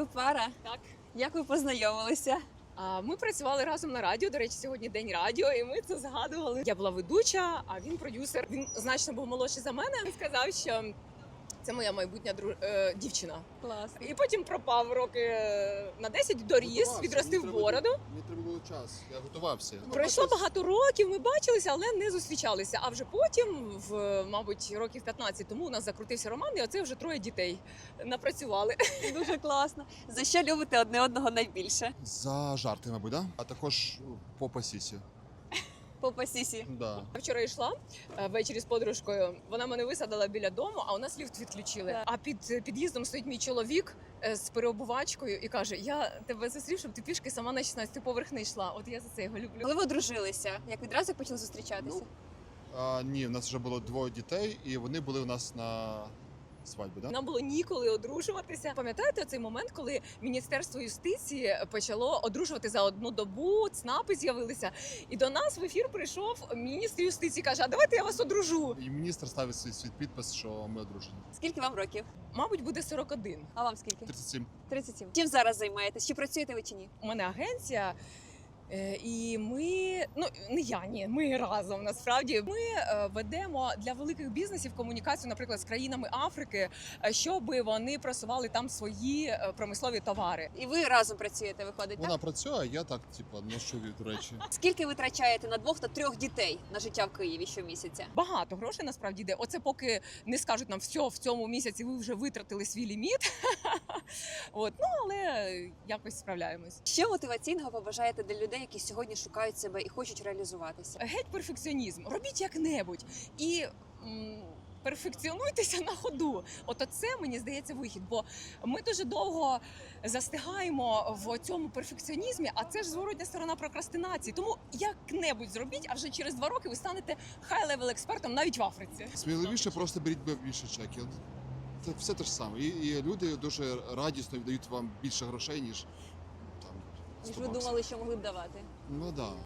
Ви пара? Так. Як ви познайомилися? Ми працювали разом на радіо. До речі, сьогодні день радіо, і ми це згадували. Я була ведуча, а він продюсер. Він значно був молодший за мене. Він сказав, що це моя майбутня дівчина. Класно. І потім пропав роки на 10, доріс, відростив бороду. Мені треба було час, я готувався. Пройшло багато років, ми бачилися, але не зустрічалися. А вже потім, мабуть, років 15 тому у нас закрутився роман, і оце вже 3 дітей напрацювали. Дуже класно. За що любите одне одного найбільше? За жарти, мабуть, да? А також по пасісі. Попа сісі. Да. Вчора йшла ввечері з подружкою. Вона мене висадила біля дому, а у нас ліфт відключили. Так. А під під'їздом стоїть мій чоловік з переобувачкою і каже: я тебе зустрів, щоб ти пішки сама на 16-й поверх не йшла. От я за це його люблю. Коли ви одружилися? Як відразу як почали зустрічатися? Ні, в нас вже було 2 дітей, і вони були у нас на свадьбі, да? Нам було ніколи одружуватися. Пам'ятаєте цей момент, коли Міністерство юстиції почало одружувати за одну добу, ЦНАПи з'явилися, і до нас в ефір прийшов міністр юстиції, каже: а давайте я вас одружу. І міністр ставить свій підпис, що ми одружені. Скільки вам років? Мабуть, буде 41. А вам скільки? 37. 37. Чим зараз займаєтесь? Чи працюєте ви чи ні? У мене агенція. І ми, ми разом насправді ми ведемо для великих бізнесів комунікацію, наприклад, з країнами Африки, щоб вони просували там свої промислові товари. І ви разом працюєте, виходить, Вона так? працює, а я так, ношу речі. Скільки ви витрачаєте на 2 та 3 дітей на життя в Києві щомісяця? Багато грошей насправді йде. Оце поки не скажуть нам, все, в цьому місяці ви вже витратили свій ліміт. Але якось справляємось. Що мотиваційного побажаєте для людей, які сьогодні шукають себе і хочуть реалізуватися? Геть перфекціонізм. Робіть як-небудь. І перфекціонуйтеся на ходу. Оце, мені здається, вихід. Бо ми дуже довго застигаємо в цьому перфекціонізмі, а це ж зворотня сторона прокрастинації. Тому як-небудь зробіть, а вже через 2 роки ви станете хай-левел експертом навіть в Африці. Сміливіше просто беріть більше чеків. Це все те ж саме. І люди дуже радісно віддають вам більше грошей, ніж там 100 Ніж ви баксів. думали, що могли б давати? Ну да.